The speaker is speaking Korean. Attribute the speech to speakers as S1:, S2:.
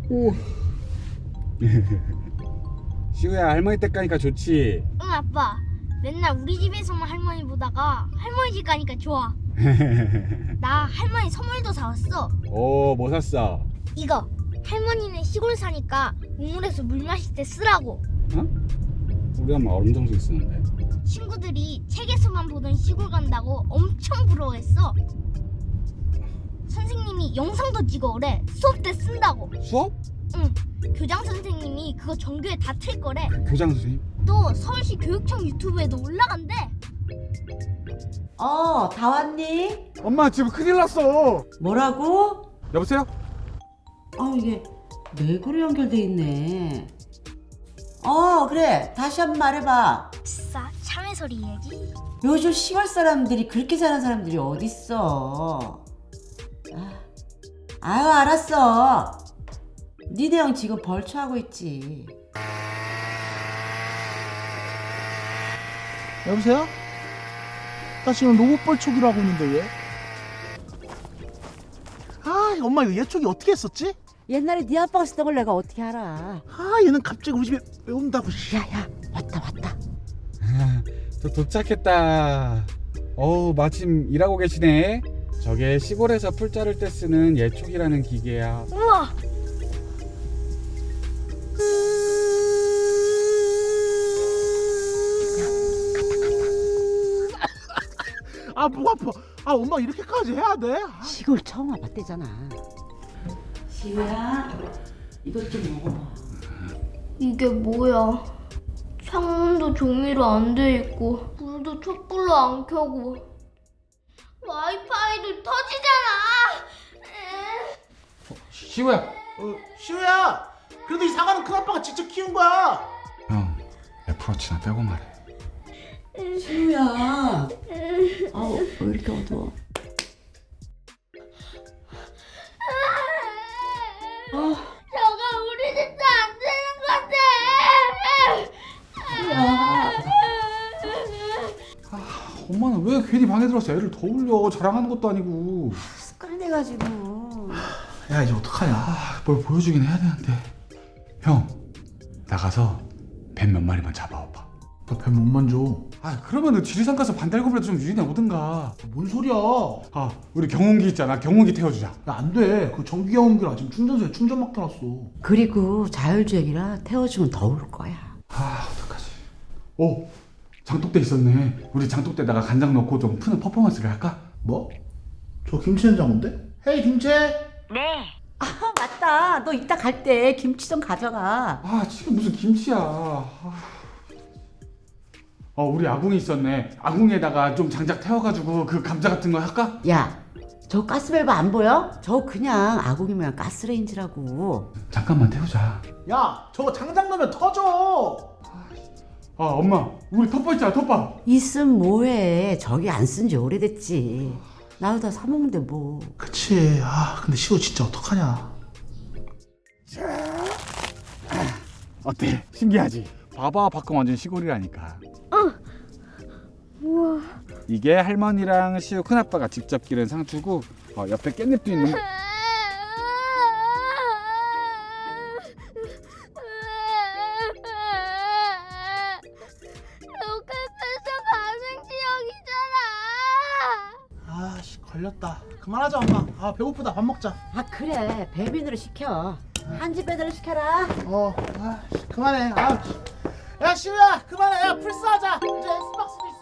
S1: 오. 시우야, 할머니 댁 가니까 좋지?
S2: 응 아빠. 맨날 우리 집에서만 할머니 보다가 할머니 집 가니까 좋아. 나 할머니 선물도 사왔어.
S1: 오, 뭐 샀어?
S2: 이거 할머니는 시골 사니까 우물에서 물 마실 때 쓰라고.
S1: 어? 우리 엄마 얼음 정수 쓰는데.
S2: 친구들이 책에서만 보던 시골 간다고 엄청 부러워했어. 선생님이 영상도 찍어오래. 수업 때 쓴다고.
S1: 수업?
S2: 응. 교장 선생님이 그거 전교에 다 틀 거래.
S1: 교장 선생님?
S2: 또 서울시 교육청 유튜브에도 올라간대.
S3: 다 왔니?
S1: 엄마, 지금 큰일 났어.
S3: 뭐라고?
S1: 여보세요?
S3: 이게 내구로 연결돼 있네. 그래. 다시 한번 말해봐.
S2: 싸 참외 소리 얘기.
S3: 요즘 시골 사람들이 그렇게 사는 사람들이 어딨어. 아유, 알았어. 니네 형 지금 벌초하고 있지.
S4: 여보세요? 나 지금 로봇벌 촉이라고 하고 있는데 왜? 엄마 이거 예촉이 어떻게 했었지?
S3: 옛날에 네 아빠가 쓰던 걸 내가 어떻게 알아.
S4: 얘는 갑자기 우리 집에 왜 온다고.
S3: 야야, 왔다.
S1: 저 도착했다. 어우, 마침 일하고 계시네. 저게 시골에서 풀 자를 때 쓰는 예촉이라는 기계야.
S2: 우와.
S4: 목 아파. 엄마 이렇게까지 해야 돼?
S3: 시골 처음 와봤대잖아. 시우야, 이것 좀 먹어봐.
S2: 이게 뭐야? 창문도 종이로 안 돼 있고 불도 촛불로 안 켜고 와이파이도 터지잖아.
S1: 시우야.
S4: 시우야, 그래도 이 사과는 큰아빠가 직접 키운 거야.
S1: 형, 애플워치나 빼고 말해.
S3: 시우야. 왜 이렇게 어두워?
S2: 저거 우리 집도 안 되는 건데.
S1: 엄마는 왜 괜히 방에 들어서 애를 더 울려? 자랑하는 것도 아니고.
S3: 습관이 돼가지고.
S4: 야, 이제 어떡하냐?
S1: 뭘 보여주긴 해야 되는데. 형, 나가서 뱀 몇 마리만 잡아와봐.
S4: 너 뱀 못 만져.
S1: 그러면은 지리산 가서 반달곰이라도 좀 유인해 오든가.
S4: 뭔 소리야?
S1: 우리 경운기 있잖아. 경운기 태워주자.
S4: 야, 안 돼. 그 전기야옹기라 지금 충전소에 충전 맡겨놨어.
S3: 그리고 자율주행이라 태워주면 더 올 거야.
S1: 어떡하지? 오, 장독대 있었네. 우리 장독대에다가 간장 넣고 좀 푸는 퍼포먼스를 할까?
S4: 뭐? 저 김치 냉장고인데? 헤이 김치!
S3: 맞다. 너 이따 갈 때 김치 좀 가져가.
S1: 지금 무슨 김치야. 우리 아궁이 있었네. 아궁이에다가 좀 장작 태워가지고 그 감자 같은 거 할까?
S3: 야, 저 가스밸브 안 보여? 저 그냥 아궁이면 가스레인지라고.
S1: 잠깐만 태우자.
S4: 야, 저거 장작 넣으면 터져!
S1: 엄마, 우리 텃밭 있잖아, 텃밭.
S3: 있음 뭐해. 저기 안 쓴 지 오래됐지. 나도 다 사먹는데 뭐.
S4: 그치. 근데 시우 진짜 어떡하냐.
S1: 어때? 신기하지? 봐봐, 밖은 완전 시골이라니까.
S2: 우와.
S1: 이게 할머니랑 시우 큰아빠가 직접 기른 상추고, 옆에 깻잎도 있는 거.
S2: 로켓에서 가생 지역이잖아.
S4: 걸렸다. 그만하자 엄마. 배고프다. 밥 먹자.
S3: 그래. 배민으로 시켜. 한집 배달을 시켜라.
S4: 그만해. 야, 시우야, 그만해. 야, 플스하자. 이제 엑스박스도